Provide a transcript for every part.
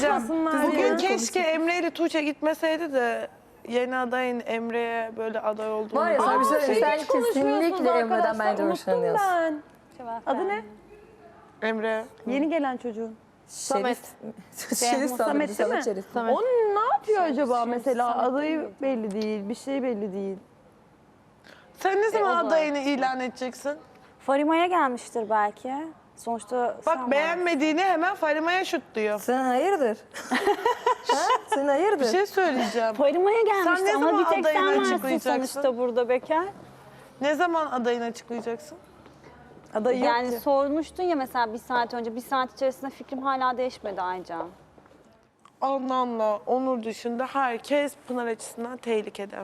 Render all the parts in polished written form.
konuşmasınlar Bugün ya. keşke Emre ile Tuğçe gitmeseydi de yeni adayın Emre'ye böyle aday olduğunu... Var ya sana bir şey söyleyeyim. Sen kesinlikle Emre'den bence hoşlanıyorsun. Ben. Adı ne? Emre. Yeni gelen çocuğun. Samet. Samet değil mi? Şerif. O ne yapıyor acaba mesela? Adayı belli değil, bir şey belli değil. Sen ne zaman adayını ilan edeceksin? Farima'ya gelmiştir belki. Sonuçta Bak beğenmediğini hemen Farima'ya şut diyor. Sen hayırdır? Ha? Sen hayırdır? Bir şey söyleyeceğim. Farima'ya gelmiştir Sen ne ama zaman bir tek sen adayını varsın açıklayacaksın? sonuçta burada bekar. Ne zaman adayını açıklayacaksın? Adayı yok Yani ki. sormuştun ya mesela bir saat önce, bir saat içerisinde fikrim hala değişmedi Aycan. Anlamla Onur dışında herkes Pınar açısından tehlikede.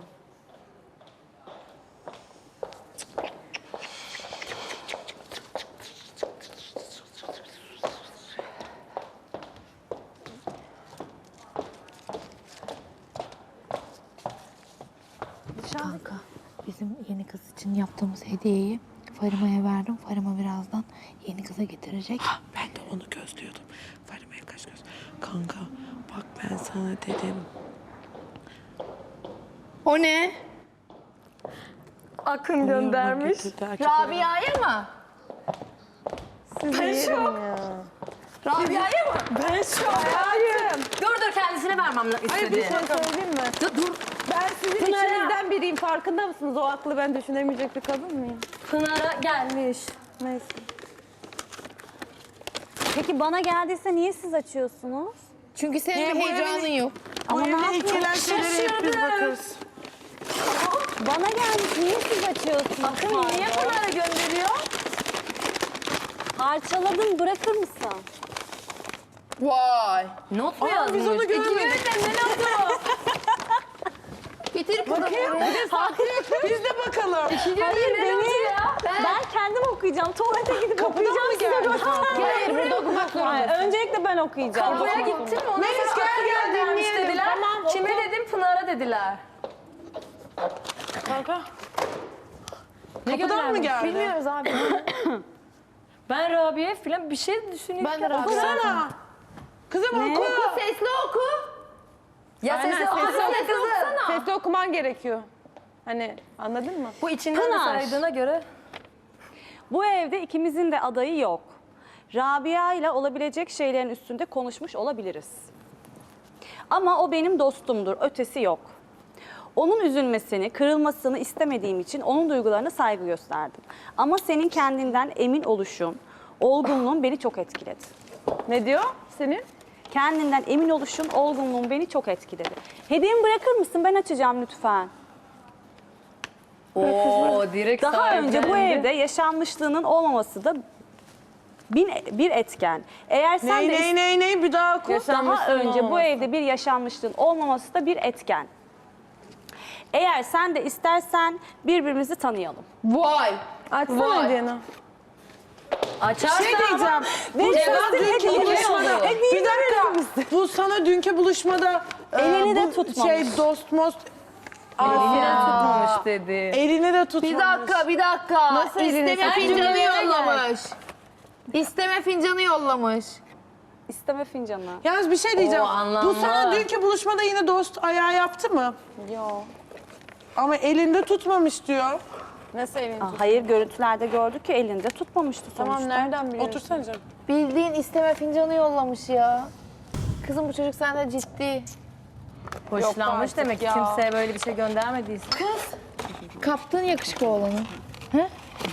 Kanka, bizim yeni kız için yaptığımız hediyeyi Farima'ya verdim. Farima birazdan yeni kıza getirecek. Ben de onu gözlüyordum. Farima'ya kaç göz. Kanka bak ben sana dedim. O ne? Akın göndermiş. Rabia'ya mı? Ben şok. Rabia'ya mı? Ben şok. Hayır. Dur kendisine vermem Hayır bir istedi. şey söyleyeyim mi? Dur. Ben sizin içinizden biriyim. Farkında mısınız? O aklı ben düşünemeyecek bir kadın mıyım? Pınar'a gelmiş. Neyse. Peki bana geldiyse niye siz açıyorsunuz? Çünkü senin bir heyecanın yok. Ama ne Böyle yapayım? ikiler şeylere hep biz bakarız. Bana gelmiş, niye siz açıyorsunuz? Bakın niye Pınar'a gönderiyor? Parçaladın, bırakır mısın? Vay. Not mu yazmış? Biz onu görmedik. ne notu? Getir Pınar'ı. Biz de bakalım. Hayır beni. Ben kendim okuyacağım. Tuvalete gidip okuyacağım. mı Size geldi? göstereceğim. Hayır burada okumak zorundasın. Öncelikle ben okuyacağım. Kapıya gittim mi? Ona Melis gel dinleyelim. dediler. Tamam, Kime dedim? Pınar'a dediler. Kanka. Kapıdan mı geldi? Bilmiyoruz abi. Ben Rabia falan bir şey düşünüyorum. Ben de Rabia. Okusana. Kızım oku. Sesli oku. Ya Aynen, sesli sesli okusana kızım. Sesli okuman gerekiyor. Hani anladın mı? Bu içinden de Pınar. saydığına göre. Bu evde ikimizin de adayı yok. Rabia ile olabilecek şeylerin üstünde konuşmuş olabiliriz. Ama o benim dostumdur, ötesi yok. Onun üzülmesini, kırılmasını istemediğim için onun duygularına saygı gösterdim. Ama senin kendinden emin oluşun, olgunluğun beni çok etkiledi. Ne diyor senin? Kendinden emin oluşun, olgunluğun beni çok etkiledi. Hediyemi bırakır mısın? Ben açacağım lütfen. Oo direkt Daha önce bu evde yaşanmışlığının olmaması da bir etken. Eğer sen de Ney bir daha oku. daha önce bu evde bir yaşanmışlığın olmaması da bir etken. Eğer sen de istersen birbirimizi tanıyalım. Vay. Açsana Vay. hediyeni. Açarsan Şey diyeceğim. Bu Benim sana sözüm dünkü hediye buluşmada. olur. Bir dakika. Bu sana dünkü buluşmada Elini de bu tutmamış. Şey dost most. Elini tutmamış dedi. Elini de tutmamış. Bir dakika. Nasıl elini İsteme sen fincanı cümleye yollamış. İsteme fincanı yollamış. İsteme fincanı. Yalnız bir şey diyeceğim. O anlamlı. Bu sana dünkü buluşmada yine dost ayağı yaptı mı? Yok. Ama elinde tutmamış diyor. Nasıl elini? Hayır, görüntülerde gördük ki elinde tutmamıştı sonuçta. Tamam nereden biliyorsun? Otursana canım. Bildiğin isteme fincanı yollamış ya. Kızım bu çocuk sende ciddi. Hoşlanmış artık demek ki ya. kimseye böyle bir şey göndermediyse. Kaptın yakışıklı olanı. He?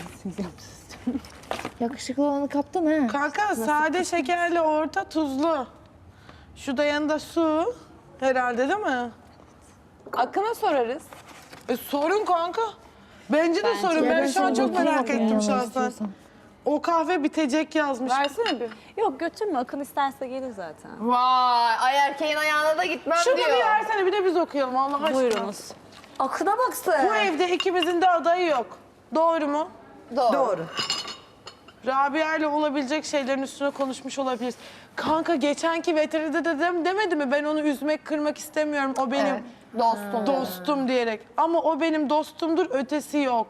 Yakışıklı olanı kaptın ha. Kanka sade şekerli orta tuzlu. Şu da yanında su. Herhalde değil mi? Akın'a sorarız. Sorun kanka. Bence de sorun. Ben şu an çok merak ettim şahsen. O kahve bitecek yazmış. Versene bir. Yok götürme, Akın isterse gelir zaten. Vay ay erkeğin ayağına da gitmem Şunu diyor. bir versene bir de biz okuyalım Allah aşkına. Buyurunuz. Akına baksın. Bu evde ikimizin de adayı yok. Doğru mu? Doğru. Rabia ile olabilecek şeylerin üstüne konuşmuş olabiliriz. Kanka geçenki veteride de demedi mi? Ben onu üzmek, kırmak istemiyorum. O benim Evet, dostum. dostum diyerek. Ama o benim dostumdur, ötesi yok.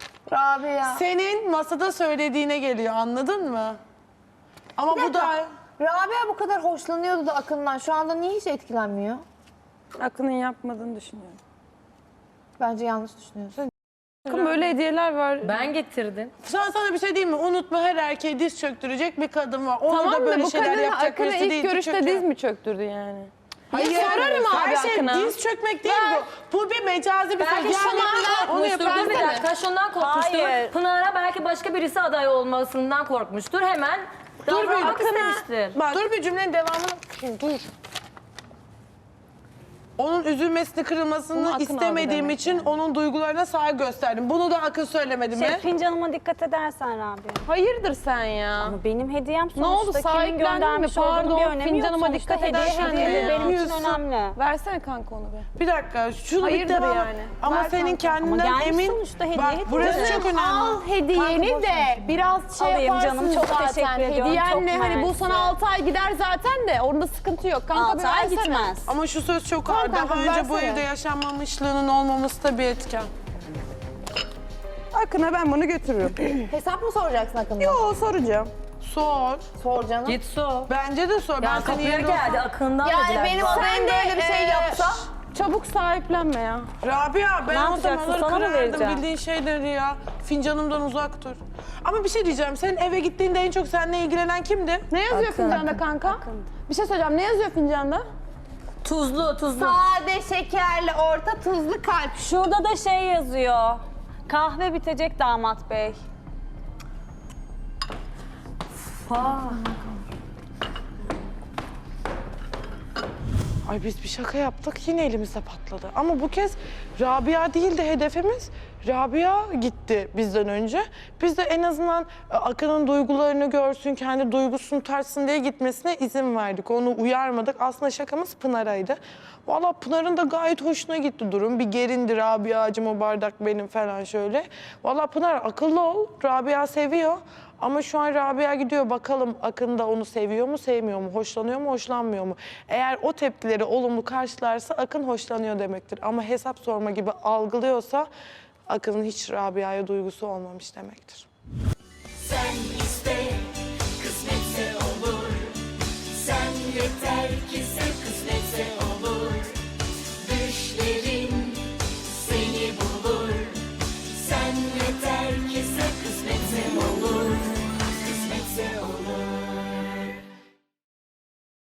Rabia. Senin masada söylediğine geliyor, anladın mı? Ama bu da... Rabia bu kadar hoşlanıyordu da Akın'dan. Şu anda niye hiç etkilenmiyor? Akın'ın yapmadığını düşünüyorum. Bence yanlış düşünüyorsun. Akın böyle hediyeler var. Ben getirdim. Sana bir şey diyeyim mi? Unutma, her erkeğe diz çöktürecek bir kadın var. Onu Tamam da böyle da bu şeyler kadın yapacak Akın'a birisi ilk değil. görüşte diz mi çöktürdü yani? Hayır, sorarım abi her şey Akın'a. diz çökmek değil bu. Bu bir mecazi bir söz. Belki şundan korkmuştur. Dur bir dakika, şundan korkmuştur. Hayır. Pınar'a belki başka birisi aday olmasından korkmuştur. Hemen davranmak istemiştir. Dur bir cümlenin devamını. Dur. Onun üzülmesini, Bunu kırılmasını Akın aldı istemediğim demek için onun duygularına saygı gösterdim. Bunu da Akın söylemedi mi? Fincanıma dikkat edersen Rabia. Hayırdır sen ya? Ama benim hediyem sonuçta Ne oldu, kimin sahiplendin mi? göndermiş olduğunun Pardon, bir önemi yok. fincanıma Sonuçta dikkat hediye edersen hediye de benim için yapıyorsun. önemli. Versene kanka onu be. Bir dakika, şunu bir Hayırdır devam. yani? Ama Ver senin kanka. Ama kendinden gelmiş emin. sonuçta hediye Bak, hediye. burası çok önemli. Al hediyeni de biraz şey Alayım yaparsın canım, çok zaten. teşekkür ediyorum, Hediyenle çok hani bu mersi. sana 6 ay gider zaten de orada sıkıntı yok. Kanka bir 6 ay versene. gitmez. Ama şu söz çok ağır. kanka, Daha önce bu versene. evde yaşanmamışlığının olmaması da bir etken. Akın'a ben bunu götürürüm. Hesap mı soracaksın Akın'dan? Yo soracağım. Sor. Sor canım. Git su. Bence de sor. Ya Ben senin kapıya yerinde geldi, olsam- Akın'dan Yani dediler. benim Bak. sen de öyle bir şey yapsa. Çabuk sahiplenme ya. Rabia, ben Ne o yapacaksın? zamanları Sana mı kırardım vereceğim? bildiğin şeyleri ya. Fincanımdan uzak dur. Ama bir şey diyeceğim. Senin eve gittiğinde en çok seninle ilgilenen kimdi? Ne yazıyor fincanda kanka? Bir şey söyleyeceğim. Ne yazıyor fincanda? Tuzlu. Sade, şekerli, orta, tuzlu kalp. Şurada da şey yazıyor. Kahve bitecek damat bey. Ay biz bir şaka yaptık, yine elimizde patladı. Ama bu kez Rabia değil de hedefimiz. Rabia gitti bizden önce. Biz de en azından Akın'ın duygularını görsün, kendi duygusunu tartsın diye gitmesine izin verdik. Onu uyarmadık. Aslında şakamız Pınar'aydı. Vallahi Pınar'ın da gayet hoşuna gitti durum. Bir gerindi, Rabia'cığım o bardak benim falan şöyle. Vallahi Pınar akıllı ol, Rabia seviyor. Ama şu an Rabia gidiyor, bakalım Akın da onu seviyor mu, sevmiyor mu, hoşlanıyor mu, hoşlanmıyor mu? Eğer o tepkileri olumlu karşılarsa Akın hoşlanıyor demektir. Ama hesap sorma gibi algılıyorsa Akın'ın hiç Rabia'ya duygusu olmamış demektir. Sen iste, kısmetse olur. Sen yeter ki sev, kısmetse olur.